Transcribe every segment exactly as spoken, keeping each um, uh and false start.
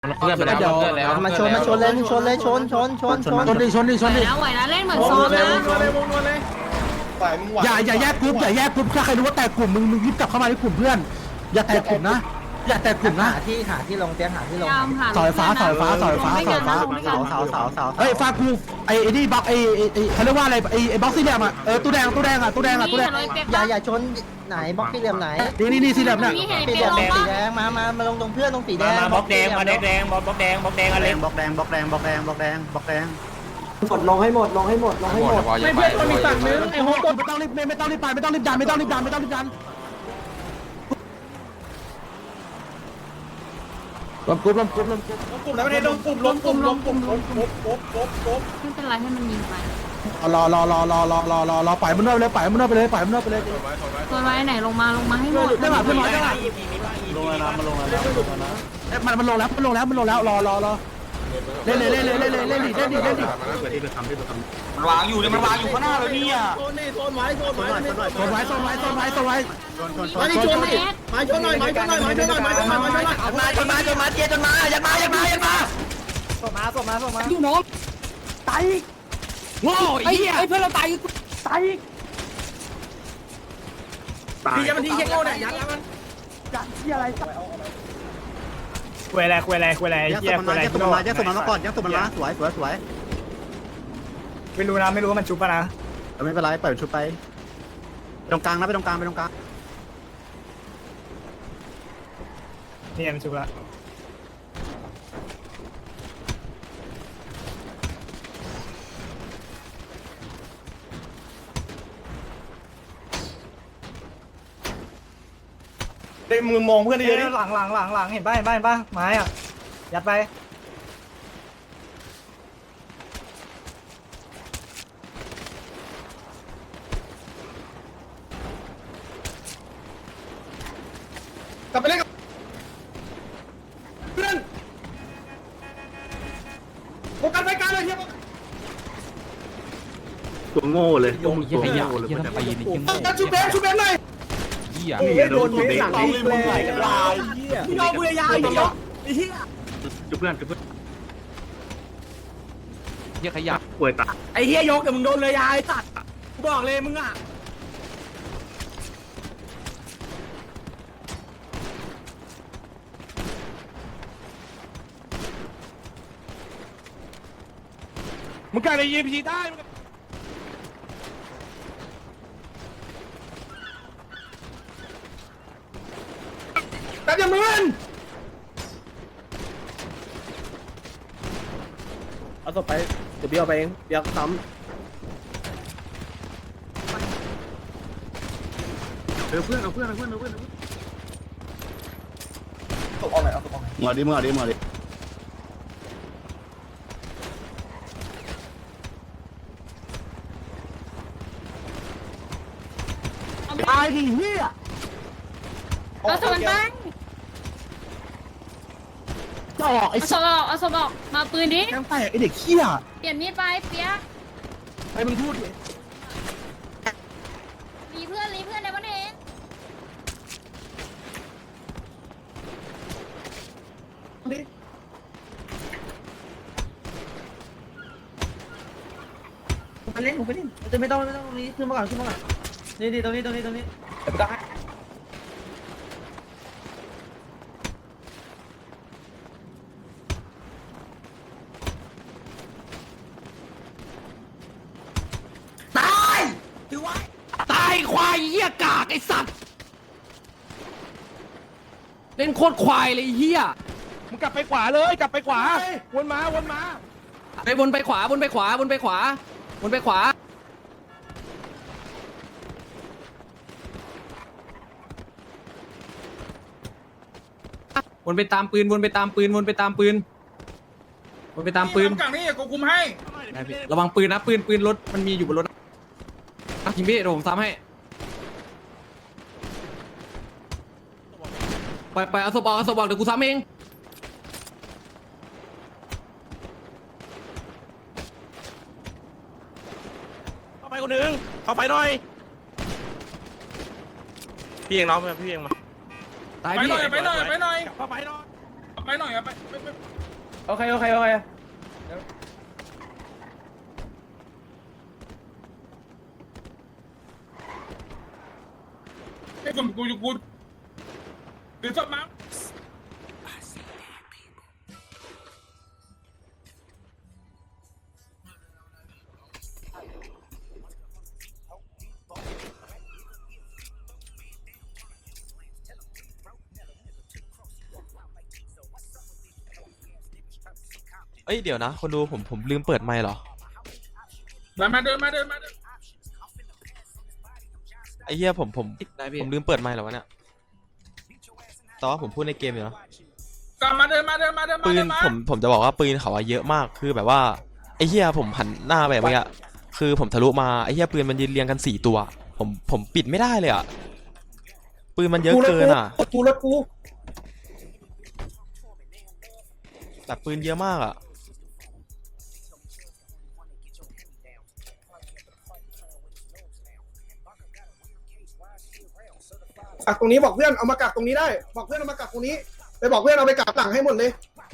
เพื่อนไปแล้วเพื่อนแล้วมาชนมาชนเลยชนเลยชนชนชนชนชนดิชนดิชนดิแล้วไหวนะเล่นเหมือนซ้อมนะอย่าอย่าแยกกลุ่มอย่าแยกกลุ่มถ้าใครรู้ว่าแตกกลุ่มมึงมึงรีบกลับเข้ามาในกลุ่มเพื่อนอย่าแตกกลุ่มนะอย่าแตกกลุ่มนะหาที่หาที่ลงเตียงหาที่ลงยามหาเสาไฟฟ้าเสาไฟฟ้าเสาไฟฟ้าเสาไฟฟ้าเสาเสาเสาเสาเฮ้ยฟากูไอ้ไอ้นี่บล็อกไอ้ไอ้ไอ้เขาเรียกว่าอะไรไอ้ไอ้บล็อกสี่เหลี่ยมอ่ะเออตู้แดงตู้แดงอ่ะตู้แดงอ่ะตู้แดงอย่าอย่าชนไหนบล็อกสี่เหลี่ยมไหนนี่นี่นี่สี่เหลี่ยมเนี่ยสี่เหลี่ยมสีแดงมามามาลงตรงเพื่อนตรงสีแดงมาบล็อกแดงมาแดงแดงบล็อกแดงบล็อกแดงอะไรบล็อกแดงบล็อกแดงบล็อกแดงบล็อกแดงบล็อกแดงหมดลงให้หมดลงให้หมดลงให้หมดไม่เพื่อนคนมีฝั่งนึงไอ้โฮกไม่ต้องรีบไม่ต้องรีบไปไม่ต้องรีบดันไม่ต้องรีบดันไม่ต้องรีบดันลมกลุ่มลมกลุ่มลมกลุ่มกลุ่มแล้วไม่ได้ลงกลุ่มลงกลุ่มลงกลุ่มลงกลุ่มลบลบลบไม่เป็นไรให้มันยิงไปรอรอรอรอรอรอรอรอปล่อยมันนอกไปเลยปล่อยมันนอกไปเลยปล่อยมันนอกไปเลยตัวไว้ไหนลงมาลงมาให้หมดได้ป่ะเพื่อนน้อยได้ป่ะลงแล้วนะมันลงแล้วนะลงแล้วนะมันมันลงแล้วมันลงแล้วมันลงแล้วรอรอรอเล่นเลยเล่นเลยเล่นเลยเล่นดิเล่นดิเล่นดิเปิดที่ไปทำที่ไปทำมันวางอยู่เนี่ยมันวางอยู่ข้างหน้าเลยเนี่ยโซนไว้โซนไว้โซนไว้โซนไว้โซนไว้โซนไว้ชนชนชมาน ดิชนดิมาชนหน่อยมาชนหน่อยมาชนหน่อยมาชนหน่อยมาชนหน่อยมาจนมาจนมาเจียจนมาอย่ามาอย่ามาอย่ามาส่งมาส่งมาส่งมาอยู่น้องตายโง่ไอ้เหี้ยไอ้เพื่อนเราตายตายพี่จะมันทีเช็คโง่เนี่ยยัดแล้วมันจัดที่อะไรคุยอะไรคุยอะไรคุยอะไรยัดเหี้ยสคุมยอะไรมายัดสมมายัดสมมาก่อนยัดสมมาสวยสวยสวยไม่รู้นะไม่รู้ว่ามันชุบปะนะไม่เป็นไรปล่อยชุดไปตรงกลางนะไปตรงกลางไปตรงกลางนี่มันชุบละได้มือมองเพื่อนได้เยอะดิหลังหลังหลังหลังเห็นป่ะเห็นป่ะเห็นป่ะไม้อ่ะยัดไปกลับไปเล่นกับเพื่อนโฟกัสไปกลางเลยเฮียตัวโง่เลยโอ้ยขยะเยี่ยมไปยินยิ่งชุบเบนชุบเบนหน่อยเยี่ยโดนตัวหลังนี่มึงไหลกันลายพี่น้องบุรียาไอ้เหี้ยไอ้เหี้ยจุดเพื่อนจุดเพื่อนเยี่ยขยะป่วยตาไอ้เหี้ยยกแต่มึงโดนเลยยาไอ้สัตว์กูบอกเลยมึงอ่ะมึงกล้าได้ยิงพีได้แต่อย่ามึนเอาศพไปเดี๋ยวเบี้ยวไปเองเบี้ยวซ้เออเพื่อนเอาเพื่อนเอาเพื่อนเอาเพื่อนมาดิมาดิมาดิตายดิเฮียเอาสมันตั้งจะออกไอ้เอาสสัมสบอกเอาสมบอกมาปืนดิแกงแตกไอ้เด็กเฮียเปลี่ยนมีดไปเปียกไอ้มึงพูดดิรีเพื่อนรีเพื่อนในวันเองำมาเล่นผมไปเล่นจะไม่ต้องไม่ต้องตรงนี้ขึ้นมาก่อนขึ้นมาก่อนนี่ดีตรงนี้ตรงนี้ตรงนี้เดี๋ยวได้ตายถือว่าตายควายเยี่ยกากไอ้สัตว์เล่นโคตรควายเลยเฮียมึงกลับไปขวาเลยกลับไปขวาวนมาวนมาไปวนไปขวาวนไปขวาวนไปขวาวนไปขวาวนไปตามปืนวนไปตามปืนวนไปตามปืนวนไปตามปืนกลางนี่กูคุมให้ระวังปืนนะปืนปืนรถมันมีอยู่บนรถนะยิงพี่เดี๋ยวผมซ้ำให้ไปไปเอาศพออกเอาศพออกเดี๋ยวกูซ้ำเองเข้าไปคนหนึ่งเข้าไปหน่อยพี่เองน้องพี่เองมาตายไปพี่หน่อยไปหน่อยไปหน่อยเข้าไปหน่อยไปหน่อยไปโอเคโอเคโอเคไอ้กลุ่มกูอยู่กูหรือศพมาเอ้ยเดี๋ยวนะคนดูผมผมลืมเปิดไมค์เหรอมามาเดินมาเดินมาเดินไอ้เหี้ยผมผมผมลืมเปิดไมค์เหรอวะเนี่ยแต่ว่าผมพูดในเกมอยู่นะกลับมาเดินมาเดินมาเดินมาปืเดินนมาผมผมจะบอกว่าปืนเขาอะเยอะมากคือแบบว่าไอ้เหี้ยผมหันหน้าไปแบบเนี้ยคือผมทะลุมาไอ้เหี้ยปืนมันยืนเรียงกันสี่ตัวผมผมปิดไม่ได้เลยอะปืนมันเยอะเกินอะกูรถกูแบบปืนเยอะมากอะกักตรงนี้บอกเพื่อนเอามากักตรงนี้ได้บอกเพื่อนเอามากักตรงนี้ไปบอกเพื่อนเอาไปกักหลังให้หมดเลย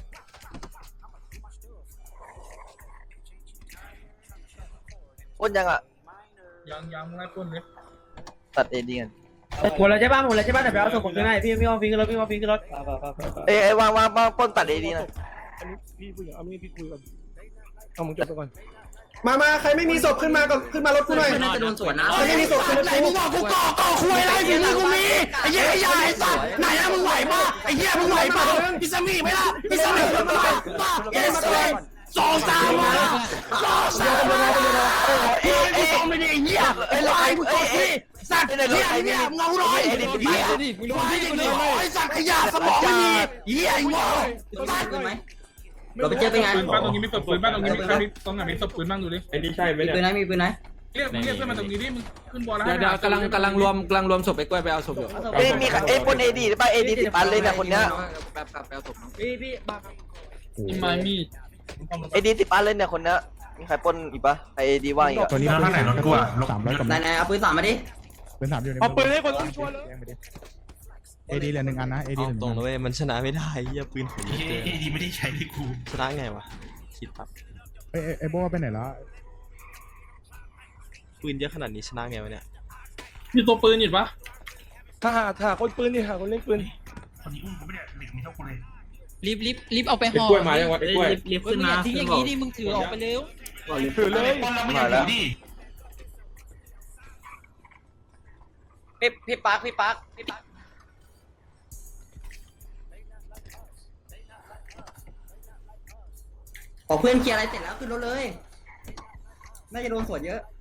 ปล้นยังอ่ะยังยังไม่พ้นเลยตัดเอดีกันหมดแล้วใช่ป่ะหมดแล้วใช่ป่ะแต่ไปเอาส่งผมด้วยพี่พี่ว่าฟิงขึ้นรถพี่ว่าฟิงขึ้นรถเอ้ยเอ้ยวางวางวางปล้นตัดเอดีนะมามาใครไม่มีศพขึ้นมาก่อนขึ้นมารถกูหน่อยน่าจะโดนสวนนะใครไม่มีศพขึ้นรถไหนกูมึงบอกกูก่อก่อคุยอะไรฝีมือกูมีไอ้เหี้ยไอ้ยาไอ้สัตว์ไหนอะมึงไหวป่ะไอ้เหี้ยมึงไหวป่ะพิซซ่ามีไหมล่ะพิซซ่ามีไหมล่ะเอสเอสองสามมาสองสามมาเอ้ยไอ้สองไม่ได้ไอ้เหี้ยไอ้ลายมึงกดสิสัตว์เหี้ยเนี่ยมึงเอาหน่อยเหี้ยมึงให้ดิไอ้สัตว์ขยะสมองไม่มีเหี้ยไอ้โง่สัตว์เราไปเจอเป็นไงปืนบ้านตรงนี้มีศพปืนบ้านตรงนี้มีใครมีตรงไหนมีศพปืนบ้างดูดิไอ้นี่ใช่ไหมมีปืนไหนมีปืนไหนเรียกเรียกเพื่อนมาตรงนี้ดิมึงขึ้นบอลแล้วเดี๋ยวเดี๋ยวกำลังกำลังรวมกำลังรวมศพไปกล้วยไปเอาศพอยู่เอ้ยมีเอ้ยปล้นเอดีหรือเปล่าเอดีติดปันเลยเนี่ยคนเนี้ยแบบแบบไปเอาศพพี่พี่บังมีไม้มีดเอดีติดปันเลยเนี่ยคนเนี้ยมีใครปล้นอีกปะใครเอดีว่างอีกอะตัวนี้ข้างไหนรถกูอ่ะสามร้อยกว่าไหนไหนเอาปืนสามมาดิเป็นสามอยู่ในเอาปืนให้คนต้องช่วยเลยเอดีเหลือหนึ่งอันนะเอดีเอาเหลือหตรนึ่งงนะเว้ยมันชนะไม่ได้เหี้ยปืนผมเยอะเกินเอดีไม่ได้ใช้ที่กูชนะไงวะคิดแบบเอ้ยไอ้โบ้ไปไหนแล้วปืนเยอะขนาดนี้ชนะไงวะเนี่ยมีตัวปืนอยู่ปะถ้าหาถ้าคนปืนนี่หาคนเล่นปืนคนนี้อุ้มกูไม่ได้เหล็กมีเท่ากูเลยรีบรีบรีบเอาไปห่อไอ้กล้วยมายังวะไอ้กล้วยรีบขึ้นมาทิ้งอย่างนี้ดิมึงถือออกไปเร็วถือเลยมาแล้วพี่พี่ปักพี่ปักพี่ปักขอเพื่อนเคลียร์อะไรเสร็จแล้วขึ้นรถเลยน่าจะโดนสวนเยอะ